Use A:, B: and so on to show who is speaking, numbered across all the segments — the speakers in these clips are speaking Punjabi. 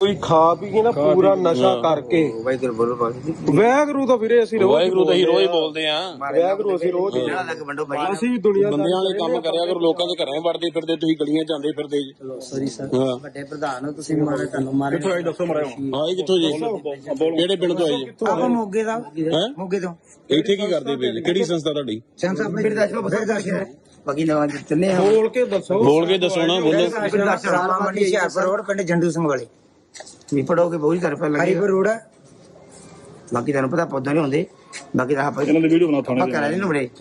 A: ਕੋਈ ਖਾ ਪੀ ਕੇ ਨਾ ਪੂਰਾ ਨਸ਼ਾ ਕਰਕੇ ਵੈਗਰੂ ਤਾਂ ਵੀਰੇ ਅਸੀਂ
B: ਵਾਹਿਗੁਰੂ ਤਾਂ ਹੀ ਰੋਜ਼ ਬੋਲਦੇ ਆ।
A: ਵੈਗਰੂ ਅਸੀਂ ਰੋਜ਼ ਅਸੀਂ ਦੁਨੀਆ
B: ਬੰਦਿਆਂ ਵਾਲੇ ਕੰਮ ਕਰਿਆ ਕਰੋ, ਲੋਕਾਂ ਦੇ ਘਰਾਂ ਵੜਦੇ ਫਿਰਦੇ, ਤੁਸੀਂ ਗਲੀਆਂ ਜਾਂਦੇ ਫਿਰਦੇ ਜੀ।
C: ਸੌਰੀ ਸਰ, ਵੱਡੇ ਪ੍ਰਧਾਨ ਹੋ ਤੁਸੀਂ, ਮਾਰੇ ਤੁਹਾਨੂੰ ਮਾਰੇ।
B: ਕਿੱਥੋਂ ਆਏ ਦੱਸੋ ਮਰਾਓ। ਆਏ ਕਿੱਥੋਂ ਜੀ? ਕਿਹੜੇ ਪਿੰਡ ਤੋਂ ਆਏ ਜੀ?
C: ਆਪਾਂ ਮੋਗੇ ਦਾ, ਮੋਗੇ ਤੋਂ।
B: ਇੱਥੇ ਕੀ ਕਰਦੇ ਪਏ ਜੀ? ਕਿਹੜੀ ਸੰਸਥਾ ਤੁਹਾਡੀ?
C: ਸੰਸਾ ਆਪਣੇ ਬਿਰਦਾਸ਼ਰ ਬਾਕੀ ਨਵਾਂ ਜਿੱਤਨੇ ਆ।
A: ਬੋਲ ਕੇ ਦੱਸੋ,
B: ਬੋਲ ਕੇ ਦੱਸੋ ਨਾ, ਬੋਲੋ।
C: ਰਾਮਾ ਮੰਡੀ ਹਿਆਰਪੁਰ ਰੋਡ, ਪਿੰਡ ਜੰਡੂ ਸਿੰਘ ਵਾਲੇ। ਵੀ ਪੜੋਗੇ ਬਹੁਤ ਹੀ ਤਰਫ ਲੱਗੇ ਹਰੀਪੁਰ ਰੋਡ। ਬਾਕੀ ਤੁਹਾਨੂੰ ਪਤਾ ਪੌਦਾ ਨਹੀਂ ਹੁੰਦੇ, ਬਾਕੀ ਤਾਂ ਆਪਾਂ
B: ਇਹਨਾਂ ਦੀ ਵੀਡੀਓ ਬਣਾ ਥਾਣੇ
C: ਕਰਾ ਲੈਣ ਬੜੇ।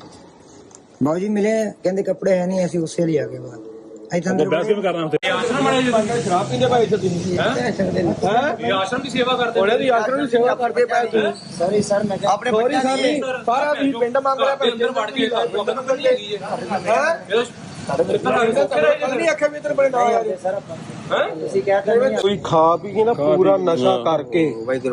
C: ਬਾਊ ਜੀ ਮਿਲੇ, ਕਹਿੰਦੇ ਕੱਪੜੇ ਹੈ ਨਹੀਂ, ਅਸੀਂ ਉਸੇ ਲਈ ਆ ਗਏ ਬਾਅਦ।
B: ਆਪਾਂ ਬਹਿਸ ਕਿਵੇਂ ਕਰਨਾ ਉੱਥੇ?
A: ਸ਼ਰਾਬ ਪੀਂਦੇ ਭਾਈ ਇੱਥੇ ਤੁਸੀਂ
D: ਆਸ਼ਰਮ ਦੀ ਸੇਵਾ ਕਰਦੇ
A: ਉਹਨੇ ਦੀ ਆਸ਼ਰਮ ਦੀ ਸੇਵਾ ਕਰਦੇ ਪਏ ਤੁਸੀਂ।
C: ਸੌਰੀ ਸਰ, ਮੈਂ
A: ਆਪਣੇ ਸੌਰੀ ਸਰ ਨਹੀਂ, ਸਾਰਾ ਵੀ ਪਿੰਡ ਮੰਗ ਰਿਹਾ ਭਾਈ
D: ਅੰਦਰ ਵੜ ਕੇ ਬੰਦਨ ਨੂੰ ਕੱਢੀ ਹੈਗੀ ਹੈ।
A: ਨਹੀਂ ਆਖਿਆ ਵੀ ਇਧਰ ਬੜੇ ਨਾ ਆ ਜਾਓ।
C: ਸਰ ਆਪਾਂ ਤੁਸੀਂ ਕਹਿ
A: ਕੋਈ ਖਾ ਪੀ ਕੇ ਨਾ ਪੂਰਾ ਨਸ਼ਾ ਕਰਕੇ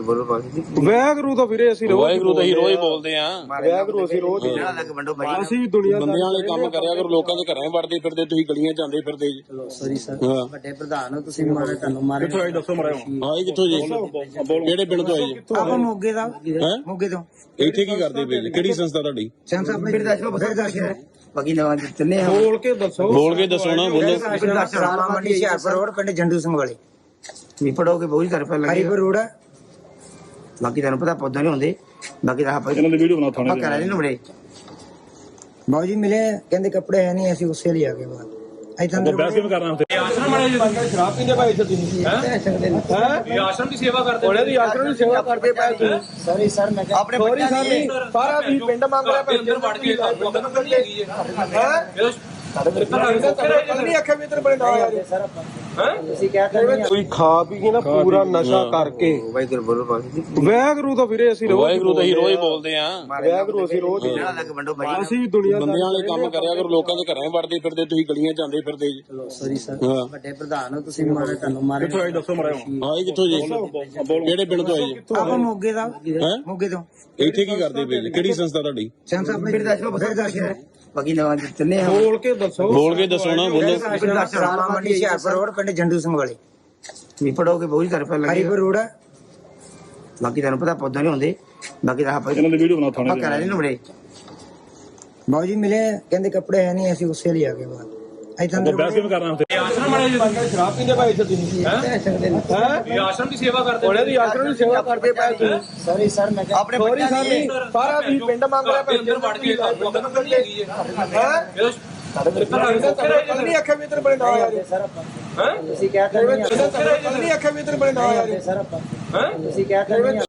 A: ਵੈਗਰੂ ਤਾਂ ਵੀਰੇ ਅਸੀਂ
B: ਵਾਹਿਗੁਰੂ ਤਾਂ ਹੀ ਰੋਜ਼ ਬੋਲਦੇ ਆ।
A: ਵੈਗਰੂ ਅਸੀਂ ਰੋਜ਼ ਅਸੀਂ ਦੁਨੀਆ
B: ਬੰਦਿਆਂ ਵਾਲੇ ਕੰਮ ਕਰਿਆ ਕਰੋ, ਲੋਕਾਂ ਦੇ ਘਰਾਂ ਵੜਦੇ ਫਿਰਦੇ, ਤੁਸੀਂ ਗਲੀਆਂ ਜਾਂਦੇ ਫਿਰਦੇ ਜੀ।
C: ਸੌਰੀ ਸਰ, ਵੱਡੇ ਪ੍ਰਧਾਨ ਹੋ ਤੁਸੀਂ, ਮਾਰੇ ਤੁਹਾਨੂੰ ਮਾਰੇ।
B: ਕਿੱਥੋਂ ਆਏ ਦੱਸੋ ਮਰਾਓ। ਆਏ ਕਿੱਥੋਂ ਜੀ? ਕਿਹੜੇ ਪਿੰਡ ਤੋਂ ਆਏ ਜੀ?
C: ਆਪਾਂ ਮੋਗੇ ਦਾ, ਮੋਗੇ ਤੋਂ।
B: ਇੱਥੇ ਕੀ ਕਰਦੇ ਪਏ ਜੀ? ਕਿਹੜੀ ਸੰਸਥਾ ਤੁਹਾਡੀ?
C: ਸੰਸਾ ਆਪਣੇ ਬਿਰਦਾਸ਼ਰ ਬਾਕੀ ਨਵਾਂ ਜਿੱਤਨੇ ਆ।
A: ਬੋਲ ਕੇ ਦੱਸੋ,
B: ਬੋਲ ਕੇ ਦੱਸੋ ਨਾ, ਬੋਲੋ।
C: ਰਾਮਾ ਮੰਡੀ ਹਿਆਰਪੁਰ ਰੋਡ, ਪਿੰਡ ਜੰਡੂ ਸਿੰਘ ਵਾਲੇ। ਵੀ ਪੜੋਗੇ ਬਹੁਤ ਹੀ ਤਰਫ ਲੱਗੇ ਹਰੀਪੁਰ ਰੋਡ। ਬਾਕੀ ਤੁਹਾਨੂੰ ਪਤਾ ਪੌਦਾ ਨਹੀਂ ਹੁੰਦੇ, ਬਾਕੀ ਤਾਂ ਆਪਾਂ
B: ਇਹਨਾਂ ਦੀ ਵੀਡੀਓ ਬਣਾ ਥਾਣੇ
C: ਕਰਾ ਲੈਣ ਬੜੇ। ਬਾਊ ਜੀ ਮਿਲੇ, ਕਹਿੰਦੇ ਕੱਪੜੇ ਹੈ ਨਹੀਂ, ਅਸੀਂ ਉਸੇ ਲਈ ਆ ਗਏ ਬਾਅਦ।
B: ਆਪਾਂ ਬਹਿਸ ਕਿਵੇਂ ਕਰਨਾ ਉੱਥੇ?
D: ਆਸ਼ਰਮ ਵਾਲੇ
A: ਸ਼ਰਾਬ ਪੀਂਦੇ ਭਾਈ ਇੱਥੇ ਤੁਸੀਂ
D: ਆਸ਼ਰਮ ਦੀ ਸੇਵਾ ਕਰਦੇ
A: ਉਹਨੇ ਦੀ ਆਸ਼ਰਮ ਦੀ ਸੇਵਾ ਕਰਦੇ ਪਏ ਤੁਸੀਂ।
C: ਸੌਰੀ ਸਰ, ਮੈਂ
A: ਆਪਣੇ ਸੌਰੀ ਸਰ ਨਹੀਂ, ਸਾਰਾ ਵੀ ਪਿੰਡ ਮੰਗ ਰਿਹਾ ਭਾਈ
D: ਅੰਦਰ ਵੜ ਕੇ ਬੰਦਨ ਨੂੰ ਕੱਢੀ ਹੈਗੀ ਹੈ।
A: ਨਹੀਂ ਆਖਿਆ ਵੀ ਇਧਰ ਬੜੇ ਨਾ ਆ ਜਾਓ।
C: ਸਰ ਆਪਾਂ ਤੁਸੀਂ ਕਹਿ
A: ਕੋਈ ਖਾ ਪੀ ਕੇ ਨਾ ਪੂਰਾ ਨਸ਼ਾ ਕਰਕੇ ਵੈਗਰੂ ਤਾਂ ਵੀਰੇ ਅਸੀਂ
B: ਵਾਹਿਗੁਰੂ ਤਾਂ ਹੀ ਰੋਜ਼ ਬੋਲਦੇ ਆ।
A: ਵੈਗਰੂ ਅਸੀਂ ਰੋਜ਼ ਅਸੀਂ ਦੁਨੀਆ
B: ਬੰਦਿਆਂ ਵਾਲੇ ਕੰਮ ਕਰਿਆ ਕਰੋ, ਲੋਕਾਂ ਦੇ ਘਰਾਂ ਵੜਦੇ ਫਿਰਦੇ, ਤੁਸੀਂ ਗਲੀਆਂ ਜਾਂਦੇ ਫਿਰਦੇ ਜੀ।
C: ਸੌਰੀ ਸਰ, ਵੱਡੇ ਪ੍ਰਧਾਨ ਹੋ ਤੁਸੀਂ, ਮਾਰੇ ਤੁਹਾਨੂੰ ਮਾਰੇ।
B: ਕਿੱਥੋਂ ਆਏ ਦੱਸੋ ਮਰਾਓ। ਆਏ ਕਿੱਥੋਂ ਜੀ? ਕਿਹੜੇ ਪਿੰਡ ਤੋਂ ਆਏ ਜੀ?
C: ਆਪਾਂ ਮੋਗੇ ਦਾ, ਮੋਗੇ ਤੋਂ।
B: ਇੱਥੇ ਕੀ ਕਰਦੇ ਪਏ ਜੀ? ਕਿਹੜੀ ਸੰਸਥਾ ਤੁਹਾਡੀ?
C: ਸੰਸਾ ਆਪਣੇ ਬਿਰਦਾਸ਼ਰ ਬਾਕੀ ਨਵਾਂ ਜਿੱਤਨੇ ਆ।
A: ਬੋਲ ਕੇ ਦੱਸੋ,
B: ਬੋਲ ਕੇ ਦੱਸੋ ਨਾ, ਬੋਲੋ।
C: ਰਾਮਾ ਮੰਡੀ ਹਿਆਰਪੁਰ ਰੋਡ, ਪਿੰਡ ਜੰਡੂ ਸਿੰਘ ਵਾਲੇ। ਵੀ ਪੜੋਗੇ ਬਹੁਤ ਹੀ ਤਰਫ ਲੱਗੇ ਹਰੀਪੁਰ ਰੋਡ। ਬਾਕੀ ਤੁਹਾਨੂੰ ਪਤਾ ਪੌਦਾ ਨਹੀਂ ਹੁੰਦੇ, ਬਾਕੀ ਤਾਂ ਆਪਾਂ
B: ਇਹਨਾਂ ਦੀ ਵੀਡੀਓ ਬਣਾ ਥਾਣੇ
C: ਕਰਾ ਲੈਣ ਬੜੇ। ਬਾਊ ਜੀ ਮਿਲੇ, ਕਹਿੰਦੇ ਕੱਪੜੇ ਹੈ ਨਹੀਂ, ਅਸੀਂ ਉਸੇ ਲਈ ਆ ਗਏ ਬਾਅਦ।
B: ਆਪਾਂ ਬਹਿਸ ਕਿਵੇਂ ਕਰਨਾ ਉੱਥੇ?
D: ਆਸ਼ਰਮ ਵਾਲੇ
A: ਸ਼ਰਾਬ ਪੀਂਦੇ ਭਾਈ ਇੱਥੇ ਤੁਸੀਂ
D: ਆਸ਼ਰਮ ਦੀ ਸੇਵਾ ਕਰਦੇ
A: ਉਹਨੇ ਦੀ ਆਸ਼ਰਮ ਦੀ ਸੇਵਾ ਕਰਦੇ ਪਏ ਤੁਸੀਂ।
C: ਸੌਰੀ ਸਰ, ਮੈਂ
A: ਆਪਣੇ ਸੌਰੀ ਸਰ ਨਹੀਂ, ਸਾਰਾ ਵੀ ਪਿੰਡ ਮੰਗ ਰਿਹਾ ਭਾਈ
D: ਅੰਦਰ ਵੜ ਕੇ ਬੰਦਨ ਨੂੰ ਕੱਢੀ ਹੈਗੀ ਹੈ।
A: ਨਹੀਂ ਆਖਿਆ ਵੀ ਇਧਰ ਬੜੇ ਨਾ ਆ ਜਾਓ।
C: ਸਰ ਆਪਾਂ ਤੁਸੀਂ ਕਹਿ
A: ਨਹੀਂ ਆਖਿਆ ਵੀ ਇਧਰ ਬੜੇ ਨਾ ਆ ਜਾਓ।
C: ਸਰ ਆਪਾਂ ਤੁਸੀਂ ਕਹਿ